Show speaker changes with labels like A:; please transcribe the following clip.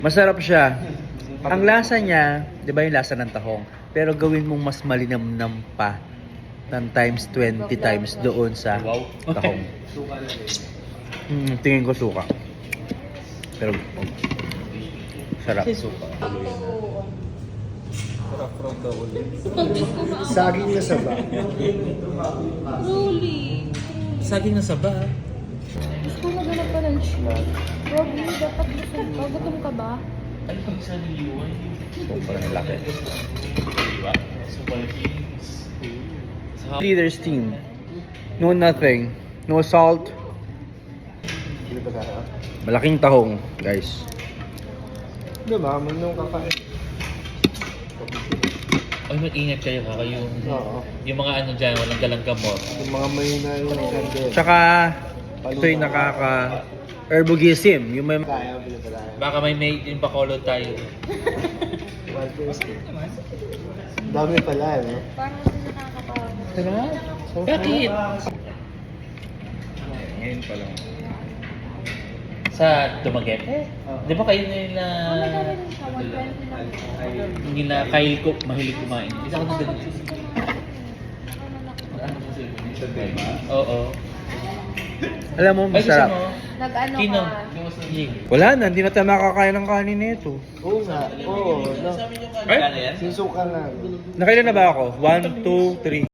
A: Masarap siya. Ang lasa niya, di ba yung lasa ng tahong? Pero gawin mong mas malinamnam pa ng times 20 times doon sa tahong. Tingin ko suka. Pero sarap.
B: Saging na saba.
C: Truly.
D: Saging na saba.
C: Gusto ko naganap pa ng shoes. Robby, dapat busog ka. Gutom ka ba?
A: Sobrang laki. Leaders team. No nothing. No salt. Malaking tahong, guys.
B: Diba? Manong kakain.
D: Ay, mag-ingat kayo ha.
B: Oo.
D: Yung mga ano dyan, walang dalang gamot.
B: Yung mga mahina yung sandal.
A: Tsaka, ito yung herbogism. Yung may...
B: Kaya, bili pa tayo.
D: Baka may yung bacolod tayo.
B: 150. Dami pala, no?
C: Parang hindi nakakatawa.
D: Bakit?
A: Ngayon pa lang.
D: Sa Dumaguete? Di ba kayo nila...
C: Maganda rin siya. 120 lang.
D: Hindi na kayo ko mahilig kumain. Isa ko na ganun. Oo.
A: Alam mo,
D: Ay, gusto
A: masarap.
D: mo?
C: Nag-ano
D: Sino?
C: ka?
D: Ying.
A: Wala na, hindi na tayo makakain ng kanin nito.
B: Oo nga. Oo. No.
D: Ay?
B: Sisuka nga.
A: Nakailan na ba ako? 1, 2, 3.